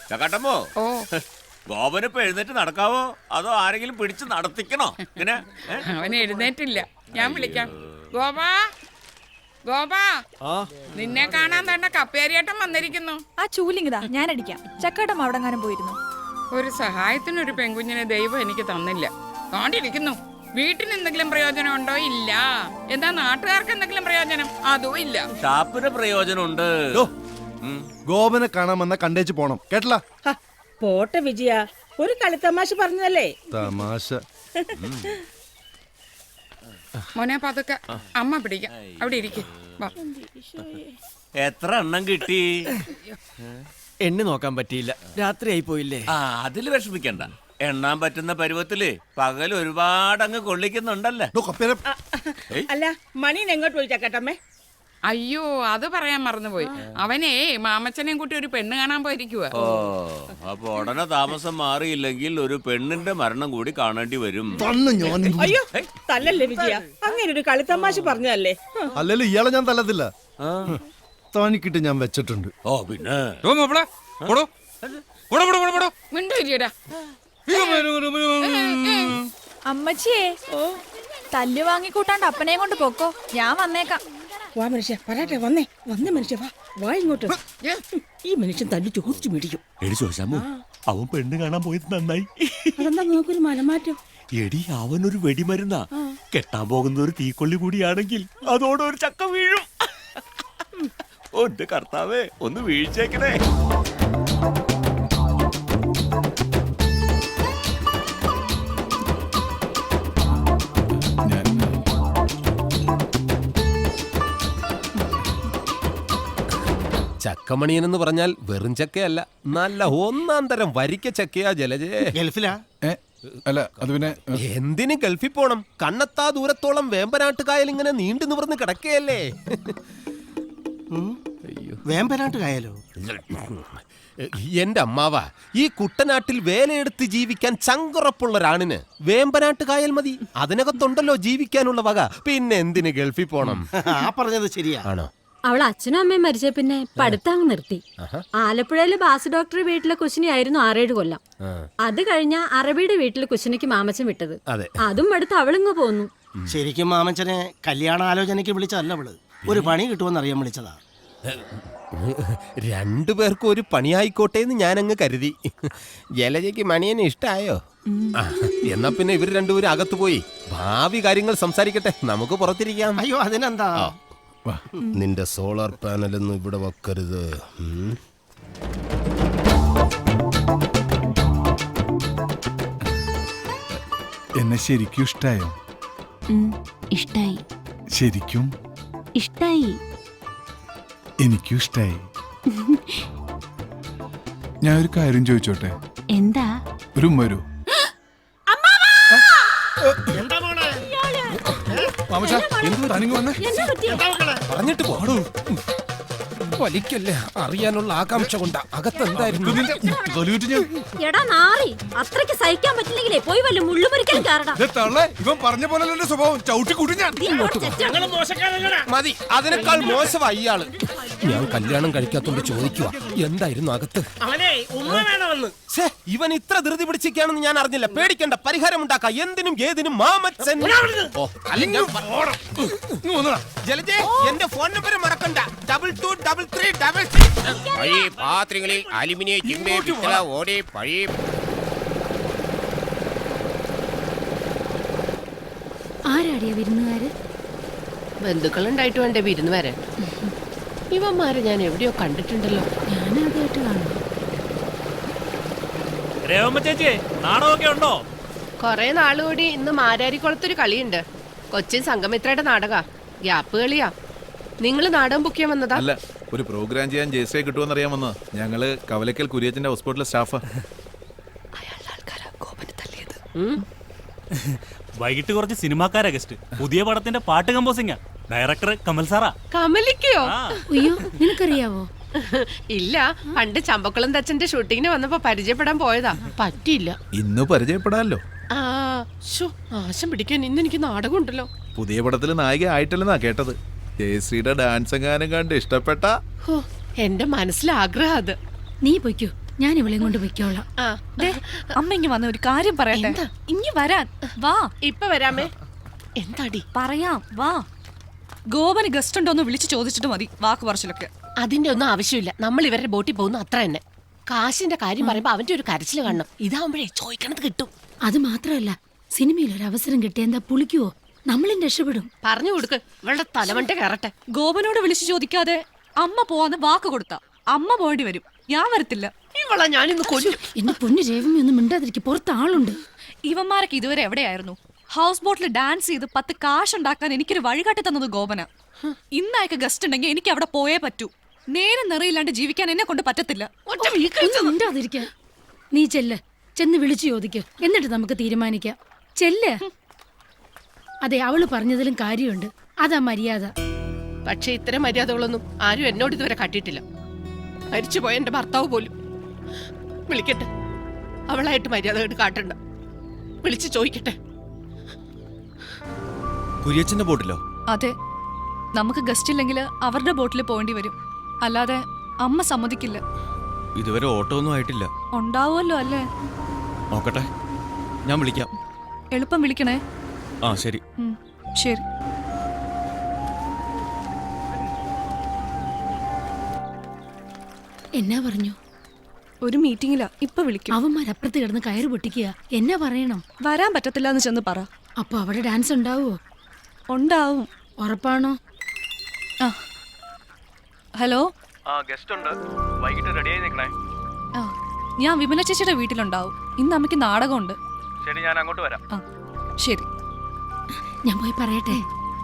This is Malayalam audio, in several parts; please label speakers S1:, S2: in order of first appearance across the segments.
S1: ചക്കാട്ടമ്മോ ഗോപനിപ്പോ എഴുന്നേറ്റ് നടക്കാവോ അതോ ആരെങ്കിലും പിടിച്ച് നടത്തിക്കണോ? ഇങ്ങനെ
S2: അവൻ എഴുന്നേറ്റില്ല, ഞാൻ വിളിക്കാം. ഗോപാ, ഗോപാ, നിന്നെ കാണാൻ തന്നെ കപ്പേരിയേട്ടൻ വന്നിരിക്കുന്നു.
S3: ആ ചൂലിങ്ങിതാ, ഞാൻ അടിക്കാം. ചക്കാട്ടം അവിടെങ്ങാനും പോയിരുന്നു.
S2: ഒരു സഹായത്തിനൊരു പെൺകുഞ്ഞിനെ ദൈവം എനിക്ക് തന്നില്ല. കാണ്ടിരിക്കുന്നു. വീട്ടിന് എന്തെങ്കിലും പ്രയോജനം ഉണ്ടോ? ഇല്ല. എന്താ നാട്ടുകാർക്ക് എന്തെങ്കിലും പ്രയോജനം? അതും ഇല്ല.
S1: ഷാപ്പിന് പ്രയോജനമുണ്ട്.
S4: ഗോപനെ കാണാൻ വന്ന കണ്ടേച്ച് പോണം, കേട്ടല്ല?
S5: പോട്ടെ വിജയ, ഒരു കളിത്തമാശ പറഞ്ഞതല്ലേ.
S4: തമാശ.
S2: മോനെ പതുക്കെ, അമ്മ പിടിക്കാം. അവിടെ ഇരിക്കും.
S1: എത്ര എണ്ണം കിട്ടി?
S6: എണ്ണി നോക്കാൻ പറ്റിയില്ല, രാത്രി ആയി പോയില്ലേ.
S1: അതില് വിഷമിക്കണ്ട. എണ്ണാൻ പറ്റുന്ന പരുവത്തില് പകൽ ഒരുപാട് അങ്ങ് കൊള്ളിക്കുന്നുണ്ടല്ലേ.
S5: അല്ല, മണീൻ എങ്ങോട്ട് പോയി ചക്കട്ടമ്മേ?
S2: അയ്യോ, അത് പറയാൻ മറന്നുപോയി. അവനേ മാമച്ചനെയും കൂട്ടി ഒരു പെണ്ണ് കാണാൻ പോയിരിക്കുക.
S1: ഓ, അപ്പൊ ഉടനെ താമസം മാറിയില്ലെങ്കിൽ ഒരു പെണ്ണിന്റെ മരണം കൂടി കാണേണ്ടി വരും.
S5: അയ്യോ, തല്ലല്ലേ വിജയ, അങ്ങനെ ഒരു കളിത്തമാശ പറഞ്ഞതല്ലേ.
S4: അല്ലല്ലോ ഇയാളെ ഞാൻ തല്ലത്തില്ല, താനിക്കിട്ട് ഞാൻ വെച്ചിട്ടുണ്ട്.
S1: ഓ പിന്നെ
S3: അമ്മച്ചിയെ തല്ലു വാങ്ങിക്കൂട്ടാണ്ട് അപ്പനെയും കൊണ്ട് പൊക്കോ, ഞാൻ വന്നേക്കാം.
S5: വാ മനുഷ്യ, പറയട്ടെ, വന്നേ മനുഷ്യ, വാ ഇങ്ങോട്ട്. ഈ മനുഷ്യൻ തല്ലു ചോദിച്ചു മേടിക്കും.
S1: എടി ചോദിച്ചാമോ, അവൻ പെണ്ണ് കാണാൻ പോയത് നന്നായി.
S5: അതെന്താ നോക്കൊരു മനമാറ്റം?
S1: എടി അവനൊരു വെടിമരുന്നാ. കെട്ടാൻ പോകുന്ന ഒരു തീക്കൊള്ളി കൂടിയാണെങ്കിൽ അതോടെ ഒരു ചക്ക വീഴും. ഒന്റെ കർത്താവേ, ഒന്ന് വീഴ്ചേക്കണേ.
S7: ചക്കമണിയനെന്ന് പറഞ്ഞാൽ വെറും ചക്കയല്ല, നല്ല ഒന്നാം തരം വരിക്ക ചക്കയാ ജലജേ.
S4: ഗൾഫിലാ? അല്ല, അത് പിന്നെ
S7: എന്തിന് ഗൾഫിൽ പോണം? കണ്ണത്താ ദൂരത്തോളം വേമ്പനാട്ടുകായൽ ഇങ്ങനെ നീണ്ടു നിവർന്ന് കിടക്കുകയല്ലേ.
S6: വേമ്പനാട്ടുകായലോ?
S7: എന്റെ അമ്മാവ, ഈ കുട്ടനാട്ടിൽ വേലയെടുത്ത് ജീവിക്കാൻ ചങ്കുറപ്പുള്ള ഒരാണിന് വേമ്പനാട്ടുകായൽ മതി. അതിനകത്തുണ്ടല്ലോ ജീവിക്കാനുള്ള വക. പിന്നെ എന്തിന് ഗൾഫിൽ പോണം?
S6: ആ പറഞ്ഞത് ശരിയാ.
S7: ആണോ?
S8: അവൾ അച്ഛനും അമ്മയും മരിച്ച പിന്നെ പഠിത്തം നിർത്തി. ആലപ്പുഴയിലെ ബാസു ഡോക്ടർ വീട്ടിലെ കുശിനിയായിരുന്നു 6-7 കൊല്ലം. അത് കഴിഞ്ഞ അറബിയുടെ വീട്ടിലെ കുശിനിക്ക് മാമച്ചൻ വിട്ടത്. അതും അടുത്ത് അവളിങ്ങ് പോന്നു.
S6: ശരിക്കും മാമച്ചനെ കല്യാണ ആലോചനയ്ക്ക് വിളിച്ചതല്ല അവള്, ഒരു പണി കിട്ടുമെന്ന് അറിയാൻ വിളിച്ചതാ.
S7: രണ്ടുപേർക്കും ഒരു പണിയായിക്കോട്ടെ എന്ന് ഞാനങ്ങ് കരുതി. ജലജയ്ക്ക് മണിയനെ ഇഷ്ടായോ? എന്നാ പിന്നെ ഇവർ രണ്ടുപേരും അകത്തു പോയി ഭാവി കാര്യങ്ങൾ സംസാരിക്കട്ടെ, നമുക്ക് പുറത്തിരിക്കാം.
S6: അയ്യോ, അതിനെന്താ.
S7: നിന്റെ സോളാർ പാനലൊന്നും ഇവിടെ വെക്കരുത്.
S9: എന്നെ ശരിക്കും ഇഷ്ടായോ?
S8: ഇഷ്ടായി.
S9: ശരിക്കും
S8: ഇഷ്ടായി.
S9: എനിക്കും ഇഷ്ടായി. ഞാൻ ഒരു കാര്യം ചോദിച്ചോട്ടെ?
S8: എന്താ?
S9: ഒരു വരൂ.
S7: പറഞ്ഞിട്ട് പോടൂ. വലിക്കല്ലേ, അറിയാനുള്ള ആകാംക്ഷ കൊണ്ടാ. അകത്തെന്തായിരുന്നു?
S8: എടാ നാറി, അത്രയ്ക്ക് സഹിക്കാൻ പറ്റില്ലെങ്കിലേ പോയി വല്ല മുള്ളുമുറിക്കാൻ കാരണം.
S9: ഇവൻ പറഞ്ഞ പോലെ എന്റെ സ്വഭാവം ചവിട്ടി കൂട്ടി ഞാൻ.
S7: മതി, അതിനേക്കാൾ മോശമായി ഇയാള്. ഞാൻ കല്യാണം കഴിക്കാത്തോണ്ട് ചോദിക്കുക, എന്തായിരുന്നു അകത്ത്? ഇവൻ ഇത്ര ധൃതി പിടിച്ചിരിക്കുകയാണെന്ന് ഞാൻ അറിഞ്ഞില്ല. പേടിക്കണ്ട, പരിഹാരം ഉണ്ടാക്കാം. എന്തിനും ഏതിനും മാമച്ചൻ. ജലജേ, എന്റെ ഫോൺ നമ്പർ മറക്കണ്ട. 223366.
S10: പഴയ പാത്രങ്ങളിൽ അലുമിനിയം, ചിമ്മ, പിത്തള, ഓടി പഴയ.
S8: ആരാടിയ വിരുന്നുകാര്?
S11: ബന്ധുക്കളുണ്ടായിട്ട് വേണ്ടേ വിരുന്ന് വരാൻ? ഇവന്മാരെ ഞാൻ എവിടെയോ കണ്ടിട്ടുണ്ടല്ലോ.
S8: ഞാനാദ്യമായിട്ട് കാണുന്നു.
S10: നാടകമൊക്കെ ഉണ്ടോ?
S11: കൊറേ നാളുകൂടി ഇന്ന് മാരാരിക്കുളത്തൊരു കളിയുണ്ട്. കൊച്ചിൻ സംഗമിത്രയുടെ നാടക. ഗ്യാപ്പ് കളിയാ. നിങ്ങൾ നാടകം ബുക്ക് ചെയ്യാൻ വന്നതാ?
S9: അല്ല, ഒരു പ്രോഗ്രാം ചെയ്യാൻ ജയശ്രീ കിട്ടുമെന്ന് അറിയാൻ വന്നതാ. ഞങ്ങള് കവലക്കൽ കുര്യച്ചന്റെ ഹോസ്പിറ്റലിലെ സ്റ്റാഫാ.
S10: വൈകിട്ട് കുറച്ച് സിനിമാക്കാരാ ഗസ്റ്റ്. പുതിയ പടത്തിന്റെ പാട്ട് കമ്പോസിംഗാ. ഡയറക്ടർ കമൽ സാറാ.
S11: കമലിക്കോ?
S8: അയ്യോ, നിനക്കറിയാവോ?
S11: ഇല്ല, പണ്ട് ചമ്പക്കുളം തച്ചന്റെ ഷൂട്ടിങ്ങിന് വന്നപ്പോ പരിചയപ്പെടാൻ പോയതാ. പറ്റിയില്ല.
S9: ഇന്ന് പരിചയപ്പെടാല്ലോ.
S11: ആശം പിടിക്കാൻ ഇന്ന് എനിക്ക് നാടകം ഉണ്ടല്ലോ.
S9: പുതിയ പടത്തിൽ നായിക ആയിട്ടില്ലെന്നാ കേട്ടത്. ജയശ്രീയുടെ ഡാൻസ് എങ്ങാനും കണ്ട് ഇഷ്ടപ്പെട്ട
S11: എന്റെ മനസ്സിലാഗ്രഹം അത്.
S8: നീ പൊയ്ക്കോ,
S5: ഞാൻ ഇവളെയും കൊണ്ട് പൊയ്ക്കോളാം.
S3: ദേ, അമ്മ ഇങ്ങ് വന്ന ഒരു കാര്യം പറയട്ടെ. ഇങ്ങ് വരാൻ വാ.
S11: ഇപ്പൊ വരാമേ. എന്താടി?
S3: പറയാം വാ. ഗോപന് ഗസ്റ്റ് ഉണ്ടോന്ന് വിളിച്ചു ചോദിച്ചിട്ട് മതി വാക്ക് പറച്ചിലൊക്കെ.
S11: അതിന്റെ ഒന്നും ആവശ്യമില്ല. നമ്മൾ ഇവരുടെ ബോട്ടിൽ പോകുന്നു അത്ര തന്നെ. കാശിന്റെ കാര്യം പറയുമ്പോ അവന്റെ ഒരു കരച്ചില് കാണണം. ഇതാവുമ്പോഴേ ചോദിക്കണത് കിട്ടും.
S5: അത് മാത്രമല്ല, സിനിമയിൽ ഒരു അവസരം കിട്ടിയ എന്താ പുളിക്കുവോ? നമ്മളും രക്ഷപ്പെടും.
S11: പറഞ്ഞു കൊടുക്ക്, ഇവളുടെ തലമണ്ട കയറട്ടെ.
S3: ഗോപനോട് വിളിച്ചു ചോദിക്കാതെ അമ്മ പോവാന്ന് വാക്ക് കൊടുത്ത അമ്മ പോകേണ്ടി വരും. ഞാൻ വരത്തില്ല.
S11: ഇവളെ ഞാനിന്ന് കൊല്ലും.
S5: എന്റെ പൊന്നു രേവമി ഒന്നും മിണ്ടാതിരിക്കും, പുറത്ത് ആളുണ്ട്.
S3: ഇവന്മാരൊക്കെ ഇതുവരെ എവിടെയായിരുന്നു? ഹൗസ് ബോട്ടിൽ ഡാൻസ് ചെയ്ത് 10 കാശ് ഉണ്ടാക്കാൻ എനിക്കൊരു വഴികാട്ടി തന്നത് ഗോപന. ഇന്നയക്ക് ഗസ്റ്റ് ഉണ്ടെങ്കിൽ എനിക്ക് അവിടെ പോയേ പറ്റൂ. നേരം നിറയില്ലാണ്ട് ജീവിക്കാൻ എന്നെ കൊണ്ട് പറ്റത്തില്ല.
S5: ഒന്നും മിണ്ടാതിരിക്കാൻ. നീ ചെന്ന് വിളിച്ചു ചോദിക്ക്, എന്നിട്ട് നമുക്ക് തീരുമാനിക്കാം. ചെല്ല്. അതെ, അവള് പറഞ്ഞതിലും കാര്യമുണ്ട്. അതാ മര്യാദ.
S11: പക്ഷെ ഇത്തരം മര്യാദകളൊന്നും ആരും എന്നോട് ഇതുവരെ കാട്ടിയിട്ടില്ല. മരിച്ചുപോയ എന്റെ ഭർത്താവ് പോലും. വിളിക്കട്ടെ, അവളായിട്ട് മര്യാദ കാട്ടണ്ട. വിളിച്ചു ചോദിക്കട്ടെ.
S9: കുര്യച്ചന്റെ ബോട്ടിലോ?
S3: അതെ, നമുക്ക് ഗസ്റ്റ് ഇല്ലെങ്കിൽ അവരുടെ ബോട്ടിൽ പോകേണ്ടി വരും. അല്ലാതെ അമ്മ സമ്മതിക്കില്ല.
S9: ഇതുവരെ ഓട്ടോ ഒന്നും ആയിട്ടില്ല.
S3: ഉണ്ടാവുമല്ലോ അല്ലേ?
S9: നോക്കട്ടെ, ഞാൻ വിളിക്കാം.
S3: എളുപ്പം വിളിക്കണേ.
S9: ആ ശരി.
S3: ശരി.
S5: എന്നാ പറഞ്ഞു?
S3: ഒരു മീറ്റിംഗിലാ, ഇപ്പൊ വിളിക്കും.
S5: അവന്മാരപ്പുറത്ത് കിടന്ന് കയറ് പൊട്ടിക്കുക. എന്നാ പറയണം?
S3: വരാൻ പറ്റത്തില്ല എന്ന് ചെന്ന് പറ.
S5: അപ്പൊ അവിടെ ഡാൻസ് ഉണ്ടാവോ?
S3: ഉണ്ടാവും.
S5: ഉറപ്പാണോ?
S3: ആ, ഹലോ.
S10: ഗസ്റ്റ് ഉണ്ട്, വൈകിട്ട് റെഡിയായി നിൽക്കണേ.
S3: ആ, ഞാൻ വിമല ചേച്ചിയുടെ വീട്ടിലുണ്ടാവും. ഇന്ന് അമ്മയ്ക്ക് നാടകമുണ്ട്.
S10: ശരി, ഞാൻ അങ്ങോട്ട് വരാം.
S3: ആ ശരി.
S5: ഞാൻ പോയി പറയട്ടെ.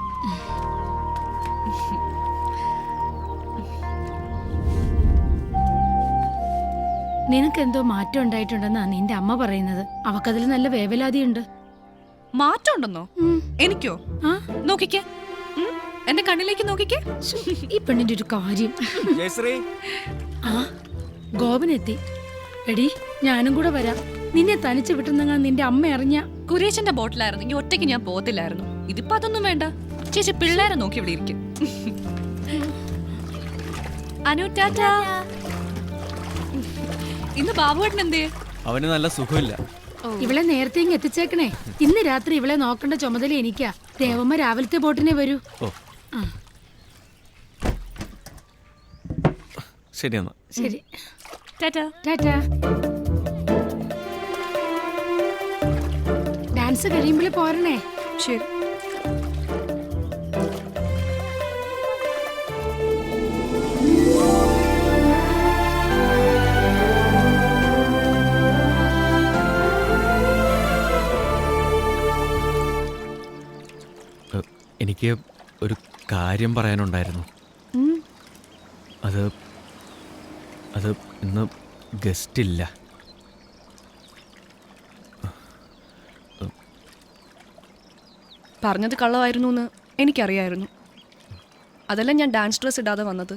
S5: നിനക്കെന്തോ മാറ്റം ഉണ്ടായിട്ടുണ്ടെന്നാ നിന്റെ അമ്മ പറയുന്നത്. അവക്കതിൽ നല്ല വേവലാതിയുണ്ട്.
S3: മാറ്റം ഉണ്ടെന്നോ? എനിക്കോ? നോക്കിക്കേ, എന്റെ കണ്ണിലേക്ക് നോക്കിക്കേ.
S5: ഈ പെണ്ണിന്റെ ഒരു കാര്യം. ആ, ഗോപനെത്തി. എടി, ഞാനും കൂടെ വരാം. നിന്നെ തനിച്ച് വിട്ടുന്നെങ്ങാ നിന്റെ അമ്മ അറിഞ്ഞ.
S3: കുരേശന്റെ ബോട്ടിലായിരുന്നെങ്കിൽ ഒറ്റയ്ക്ക് ഞാൻ പോകത്തില്ലായിരുന്നു. ഇതിപ്പോ അതൊന്നും വേണ്ട. ചേച്ചി പിള്ളേരെ നോക്കി ഇവിടെ ഇരിക്കും. അനു, ടാറ്റാ. ഇന്ന് ബാബുവേട്ടൻ എന്തേ?
S9: അവന് നല്ല സുഖമില്ല.
S5: ഇവളെ നേരത്തെ ഇങ്ങ് എത്തിച്ചേക്കണേ. ഇന്ന് രാത്രി ഇവളെ നോക്കേണ്ട ചുമതല എനിക്കാ. ദേവമ്മ രാവിലത്തെ ബോട്ടിനെ വരൂ.
S9: ശരി എന്നാ.
S5: ശരി,
S3: ടാറ്റാ.
S5: ടാറ്റാ. ഡാൻസ് കഴിയുമ്പോൾ പോരണേ.
S3: ശരി.
S9: എനിക്ക് ഒരു കാര്യം പറയാനുണ്ടായിരുന്നു. അത് ഇന്ന് ഗസ്റ്റ് ഇല്ല.
S3: പറഞ്ഞത് കള്ളമായിരുന്നു എന്ന് എനിക്കറിയായിരുന്നു. അതല്ല ഞാൻ ഡാൻസ് ഡ്രസ് ഇടാതെ വന്നത്.